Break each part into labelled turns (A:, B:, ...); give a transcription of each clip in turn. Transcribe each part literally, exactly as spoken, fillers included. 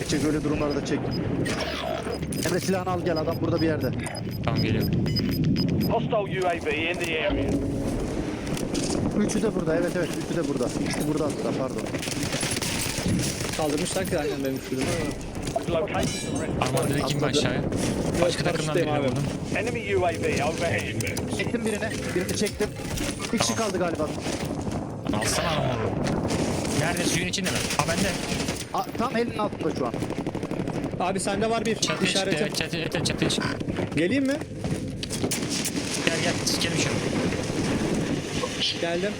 A: Çek çek, öyle durumlarda çek. Emre silahını al gel, adam burada bir yerde.
B: Tamam geliyorum.
C: Hostile U A V in the area.
A: Üçü de burada, evet evet, üçü de burada. İkisi burada hatta, pardon.
D: Kaldırmışlar ki aynen benim şurada.
C: Located the rest.
B: Arman direkt kim aşağıya? Başka takımdan
D: paraşütteyim
B: birini
D: abi.
B: vurdum.
C: Enemy U A V overhead.
A: Çektim birini, birini çektim. Bir kişi kaldı galiba.
B: Alsana armoru. Nerede, suyun içinde mi? Ha bende.
A: A, tam elinin altında şu an.
D: Abi sende var bir
B: Çatıya çıktı,
D: işaretim.
B: evet çatıya, evet, çatıya çıktı.
D: Geleyim mi?
B: Gel gel, sikerim şunu.
D: Geldim.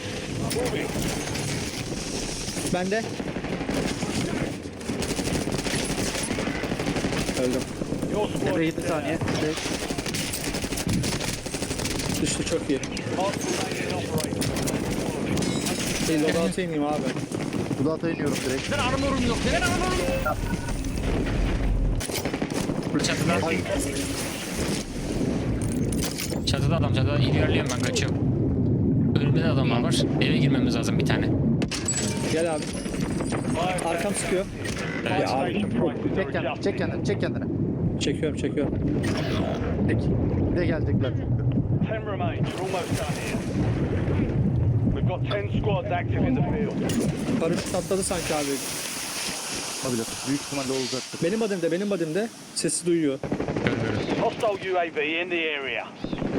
D: Bende. Öldüm.
C: Your squad
A: Emre
C: is
A: yedi saniye. beş.
D: Düştü çok iyi.
C: Hostile operator.
D: Bir loadout'a ineyim abi.
A: Budata iniyorum direkt.
B: Neden armorum yok? Neden armorum yok? Çatıda. Çatıda adam, çatıda ilerliyorum ben, kaçıyorum. Önümde de adamlar var. Eve girmemiz lazım bir tane.
D: Gel abi. Arkam sıkıyor.
B: Evet.
D: Ya abi.
A: Çek kendini, çek kendini, çek kendini.
D: Çekiyorum çekiyorum.
A: Çek. Bir de gelecekler çünkü.
C: Ten remain. You're almost done here. We've got ten squads active in the field.
D: Paraşüt atladı sanki abi.
A: Olabilir. Büyük ihtimalle olacaktır.
D: Benim badimde benim badimde. Sesi duyuyor.
B: Görüyoruz.
C: Hostile U A V in the area.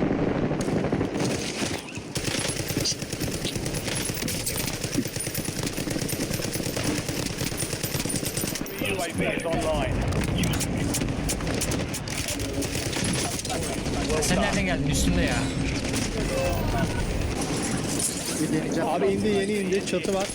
C: U A V is online.
B: Sen nereden geldin? Üstünde ya.
A: Bir deneyeceğim.
D: Abi indi yeni indi. Çatı var.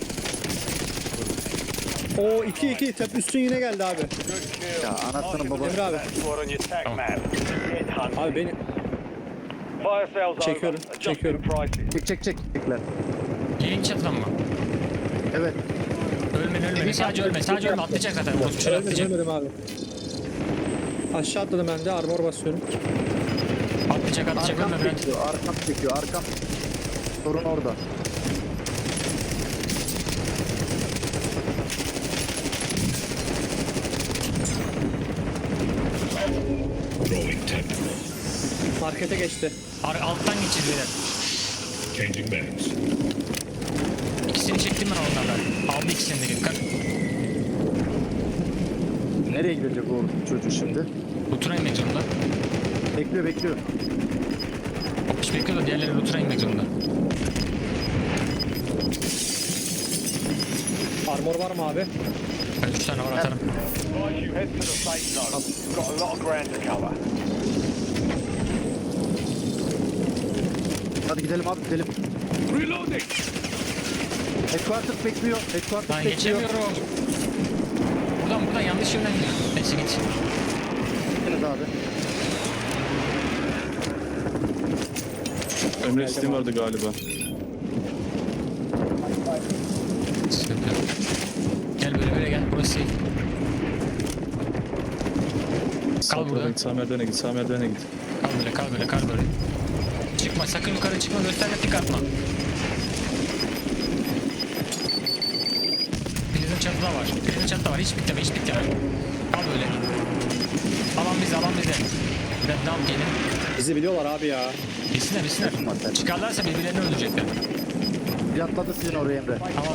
D: O iki iki tep üstün yine geldi abi.
A: Ya anasının babası.
D: Emre abi.
C: Squad on your attack map. Get hunted.
D: Abi beni
C: Fire sales
D: Çekiyorum,
C: over.
D: çekiyorum.
C: Adjusting prices.
A: Çek çek çek. Çekler.
B: Yayın çatıdan mı?
A: Evet.
B: Ölme ölme. Sadece ölme. Sadece ölme. Atlayacak zaten. O şöyle
D: ölmedim
B: atlayacak.
D: ölmedim abi. Aşağı atladım ben de armor basıyorum.
B: Atlayacak atlayacak,
A: Arkam
B: ölme Bülent.
A: çekiyor, arkam çekiyor, arkam. Sorun orada.
D: Markete geçti.
B: Ar alttan geçir beyler.
E: Changing mags.
B: İkisini çektim ben onlardan. Aldı ikisini de dikkat.
A: Nereye gidecek o çocuğu şimdi?
B: Lutura inmek zorunda.
A: Bekliyor, bekliyor.
B: Hiç bekliyor da diğerleri Lutura inmek zorunda.
D: Armor var mı abi?
B: Ben üç tane var, atarım.
C: Advise you head to the safe zone. You've got a lot of ground to cover.
A: Hadi gidelim abi, gidelim.
E: Reloading!
A: Headquarters bekliyor, Headquarters
B: Ben
A: bekliyor.
B: geçemiyorum. Buradan buradan yanlış yönden gidiyor. Neyse git.
A: Evet abi.
F: Emre Steam vardı galiba.
B: Sıkıntı yok. Gel böyle böyle gel. Burası safe.
F: Sağ
B: Kal burada.
F: tarafa git, sağ merdivene git, sağ merdivene git.
B: Kal böyle, kal böyle, kal böyle. Çıkma, sakın yukarı çıkma, gösterme, dik atma. Prizin çatıda var, prizin çatıda var, hiç bitleme, hiç bitleme. Kal böyle. Alan bize, alan bize. Red down gelin.
D: Bizi biliyorlar abi ya.
B: Bilsinler, bilsinler. Çıkarlarsa birbirlerini öldürecekler.
A: Bir atladı sizin oraya Emre.
B: Tamam.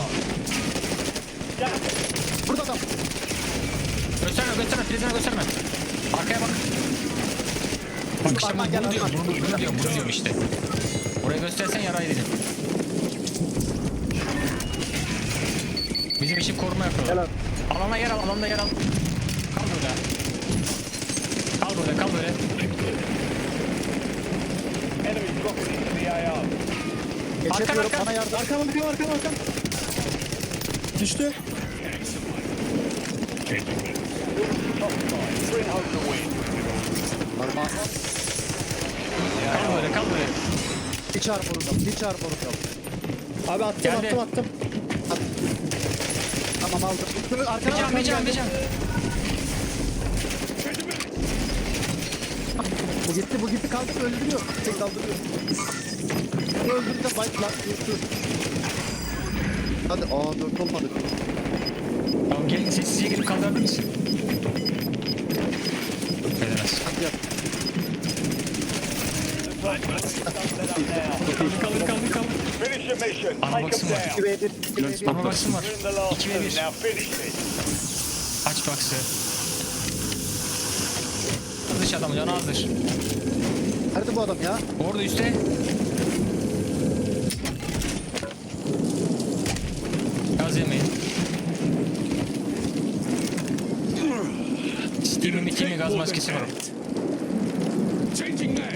A: Burada adam.
B: Gösterme, gösterme, prizine gösterme. Arkaya bak. Bak işte
A: Arman
B: bunu,
A: gel,
B: bunu diyorum,
A: Arman.
B: bunu, bunu diyorum, bunu diyorum işte. Oraya göstersen yarayı dedim. Bizim için koruma yapıyorlar.
A: Gel abi.
B: Alana yer al, alanda yer al. Kal böyle. Kal böyle, kal böyle.
C: Enemy dropping into the A R.
A: Geçemiyorum,
B: arka.
A: bana yardım.
D: Arkam arkam arkam arkam. Düştü.
C: Top side. Bring home the win.
A: Armağan.
B: Kal böyle, kal böyle.
A: Hiç armorunda, hiç armorunda.
D: Abi attım
B: Geldi.
D: attım attım.
A: Tamam aldım. Üstünü
B: Bir
A: arkana
B: can, bir can, bir can.
A: Bu gitti, bu gitti, kaldı, öldürüyor. Tek kaldırıyor. Bu öldürünce bite lan, dur dur. Hadi, aa dört olmadı.
B: Tamam gelin, sessizce gelip kaldırabilir misin?
A: yap.
B: Kaldır kaldır kaldır kaldır.
C: Finish your mission.
B: Ana
C: Take
B: baksın
C: them
B: var.
C: down.
A: iki ve bir. iki ve bir.
B: Ama baksın var.
C: You're in the last
B: iki ve
C: two.
B: bir.
C: Now finish this.
B: Aç baksı. Dış adam canı azdır.
A: Nerede bu adam ya?
B: Orada üstte. Gaz yemeyin. Steam'in iki mi gaz maskesi var.
E: Changing mag.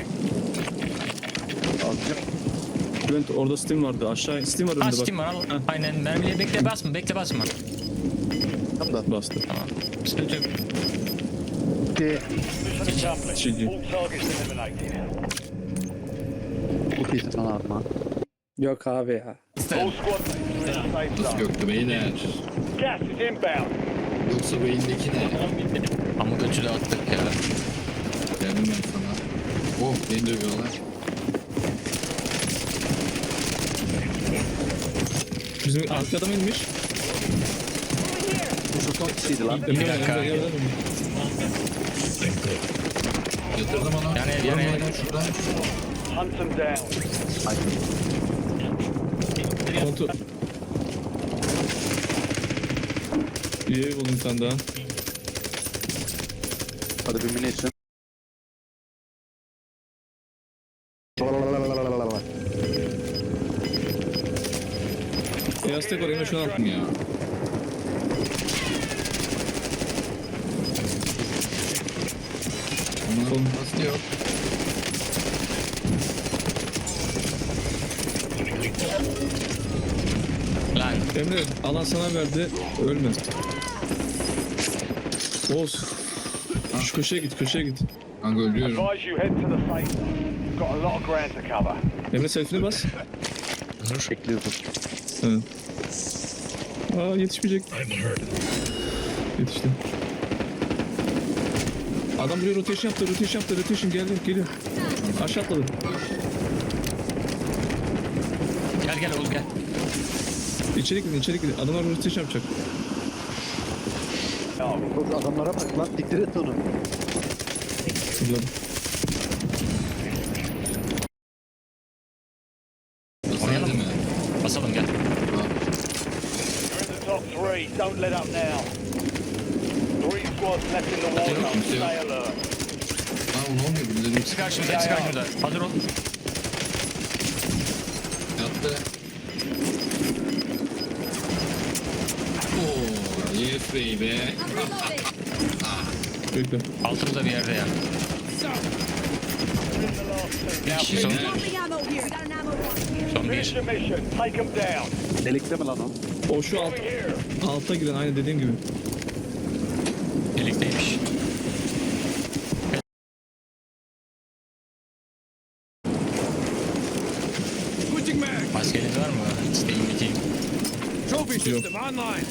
F: Bülent orada Steam vardı. Aşağı Steam var
B: Ha
F: önünde bak.
B: Steam var al. Aynen mermiye bekle basma bekle basma.
A: Tam da.
F: Bastı.
B: Tamam. Sıkıntı yok.
A: İki.
C: Mission accomplished.
F: G G.
C: All targets eliminated.
A: Çok iyisin lan abi.
D: Yok abi ya.
C: All squad mates are in the safe
G: Nasıl
C: zone.
G: göktü beyler?
C: Gas is inbound.
G: Yoksa beyindeki ne?
B: Ama götü de attık ya.
G: Geldim ben sana. Oh beni dövüyorlar.
F: Bizim arka adam inmiş.
A: Bu çok son kişiydi lan.
F: Emre,
B: dakika.
F: Emre, Emre, Emre.
G: Yatırdım onu.
B: Yani ev, yani ev.
G: Aynen şuradan.
C: Hunt them down.
F: Kontrol. İyi ev buldum sen daha.
A: Hadi bir munition.
F: Beyaz tek var Emre şunu al.
G: Ya. Ama nasıl yok?
B: Lan
F: Emre alan sana verdi. Ölme. Oğuz. Şu köşeye git köşeye git.
G: Kanka ölüyorum.
C: Advise you head to the safe zone. Got a lot of ground to cover.
F: Emre selfie'ne bas.
A: Bekliyordum.
F: Evet. Aa yetişmeyecek.
E: I'm hurt.
F: Yetişti. Adam buraya rotation yaptı, rotation yaptı, rotation geldi, geliyor. Aşağı atladı.
B: gel gel Oğuz gel.
F: İçeri gidin, içeri gidin. Adamlar rotation yapacak.
A: Çok adamlara bak lan. Diktir et onu.
F: Zıpladı.
B: Oynayalım
G: Değil
B: mı?
G: mi?
B: Basalım gel.
C: You're in the top three. Don't let up now. Three squads left in the war
G: Yok,
C: zone.
G: kimse yok.
C: Stay alert.
G: Lan ne oluyor? Birileri
B: Hepsi karşımızda hepsi karşımızda. Hazır ol.
G: yattı. Oo, yes baby.
F: Bekle.
B: Altımızda bir yerde ya. Bir kişi son,
H: Dropping ammo here. Got an ammo box.
B: son
C: Finish
B: bir.
C: your mission. Take them down.
A: Delikte mi lan o?
F: O şu alt,
C: Over here.
F: alta giren aynı dediğim gibi.
B: Birlikteymiş.
E: Switching mag.
B: Maskeliniz var mı? İsteyin biteyim.
E: Trophy
F: Yok.
E: system online.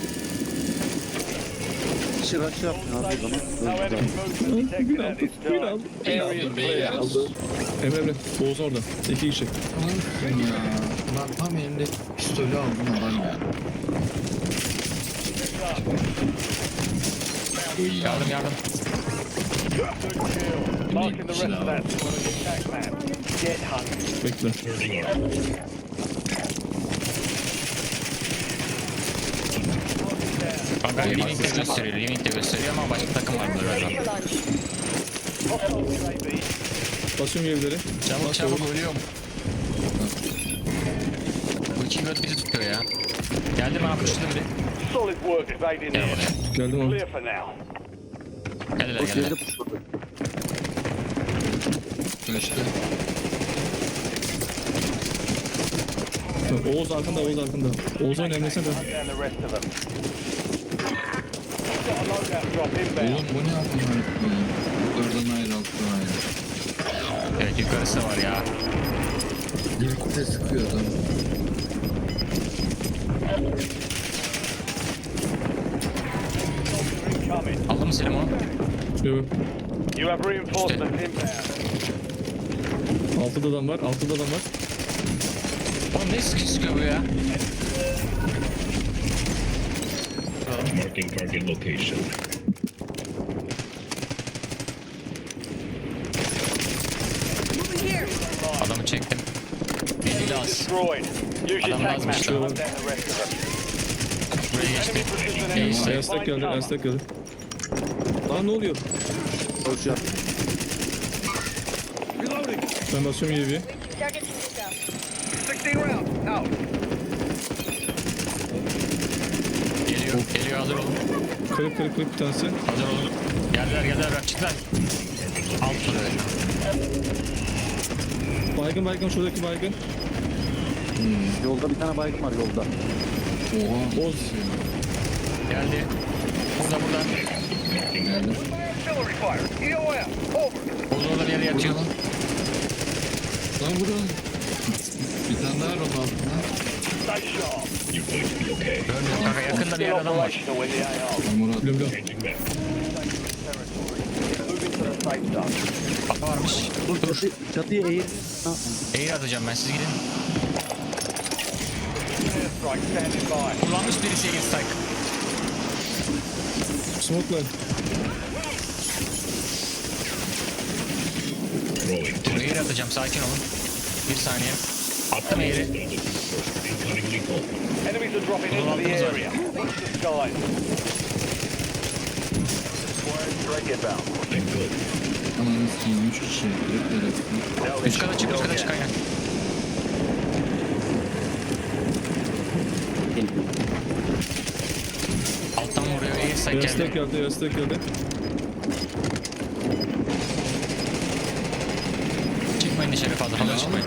A: Kişi rush yapmıyor abi o zaman.
C: No
A: Öldü
C: enemy
A: zaten.
C: movement detected
F: Bir
C: at
F: aldı,
C: this
F: bir
C: time.
F: aldı.
C: Area
G: Beyler.
C: clear.
F: Emre Emre, Oğuz orada. İki kişi.
G: Lan ya. Lan tam elimde pistolü aldım adam ya.
B: Yardım yardım.
C: Good kill. Marking the rest of that squad as attack man. Get hunted.
F: Bekle.
E: Turning on.
B: Kanka Limit de gösteriyor. Limit de gösteriyor ama başka takım var burada galiba.
C: Hostile U A V.
F: Basıyorum evleri.
B: Çabuk çabuk ölüyorum. Bu iki göt bizi tutuyor ya. Geldim abi kuşladım bir.
C: Solid work evading
B: Gel
C: there.
B: buraya.
F: Geldim abi.
C: Clear for now.
B: Geldiler
A: O
B: geldiler.
A: geride pushladı.
G: Kaçtı.
F: Oğuz arkanda, Oğuz arkanda. Oğuz'un emresine dön.
C: Hunt down the rest of them. Got a loadout drop inbound.
G: Oğlum bu ne yapıyor? Yukarıdan ayrı alttan ayrı.
B: Evet yukarısı da var ya.
G: Birlikte sıkıyor adam.
C: Incoming.
B: Aldın mı Selim onu?
F: Yok.
C: You have reinforcements inbound.
F: Altıda adam var, altıda adam var.
B: Oğlum ne sıkı sıkıyor bu ya?
E: Marking target location.
C: destroyed. Use your
B: Adam
C: tag
B: lazım
C: map
B: işte.
C: to hunt down the rest of them.
B: Buraya geçti.
C: Enemy precision airstrike.
B: Neyse.
F: Ayastak geldi, Ayastak geldi. Lan ne oluyor?
A: Koşuyor.
E: Reloading.
F: Ben basıyorum U A V'ye.
E: sixteen rounds. Out.
B: Geliyor. Geliyor hazır olun.
F: Kırık kırık kırık bir tanesi.
B: Hazır olun. Geldiler geldiler rakçıklar. Alt soruyor.
F: Baygın baygın şuradaki baygın.
A: Yolda bir tane baygın var yolda.
G: Oha.
F: Oz.
B: Geldi. Burada burada.
G: Geldim.
E: Artillery fire. E O M. Over.
B: Oğuz orada bir yere yatıyor.
G: Lan vurun. Bir tane daha rol altına.
C: Stay sharp.
B: Görmüyorum kanka yakında bir
C: Still
B: yer adam var.
C: operational in the A R.
G: Armor at.
F: Biliyorum biliyorum.
C: Moving to the safe zone.
B: Kafa varmış.
A: Dur çatı, çatıya eğir. Ha,
B: Eğir atacağım ben siz gidin.
C: Airstrike standing by.
B: Kullanmış birisi Eğir strike.
F: Smoke'la.
B: Eğir atacağım sakin olun. Bir saniye. Attım Eğir'i.
C: Enemies are dropping into the
B: altımız var.
C: area. Watch the skies. Airstrike inbound.
G: Ananı sikeyim. Üç kişi. Direkt böyle.
B: Üst kata çık üst kata çık aynen. Alttan vuruyor Eğir strike
F: Ayastak
B: geldi.
F: geldi, Ayastak geldi.
B: Çıkmayın dışarı fazla fazla çıkmayın.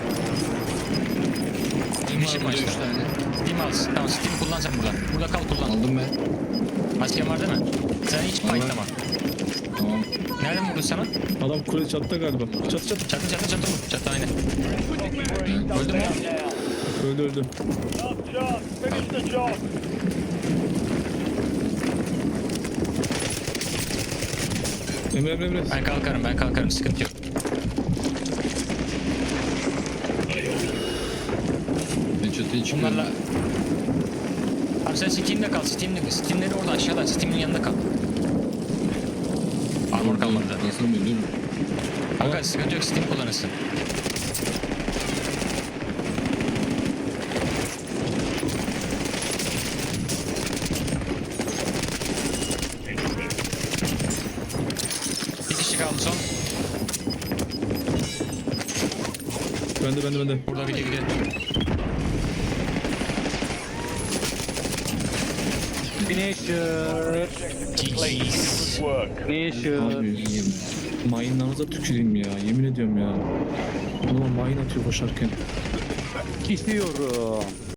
G: Steam
B: Bir şey
G: var burada
B: başla.
G: üç tane.
B: Steam al. Tamam Steam kullan sen burada. Burada kal kullan.
G: Aldım ben.
B: Masken var değil mi? Sen hiç fightlama.
G: Tamam.
B: Nereden vurdun sana?
F: Adam kule çatıda galiba. Çatı çatı.
B: Çatı çatı çatı vur. Çatı aynen.
G: Evet.
B: Öldü mü?
F: Öldü öldü.
C: Last chance. Finish the job.
F: Emre Emre Emre.
B: Ben kalkarım ben kalkarım sıkıntı yok.
G: Ben çatıya çıkıyorum.
B: Bunlarla... Abi sen Steam'de kal. Steam'de, Steam'leri orada aşağıda. Steam'in yanında kal. Armor kalmadı zaten.
G: Nasıl ölürüm?
B: Kanka sıkıntı yok. Steam kullanırsın. Bir kişi kaldı son.
F: Bende bende bende.
B: Burada gidiyor gidiyor.
A: Finisher.
B: Jeez.
C: Work.
A: Finisher.
G: Abi yiyeyim.
F: Mayınlarınıza tüküreyim ya. Yemin ediyorum ya. Adama mayın atıyor koşarken.
A: Kişiyorum.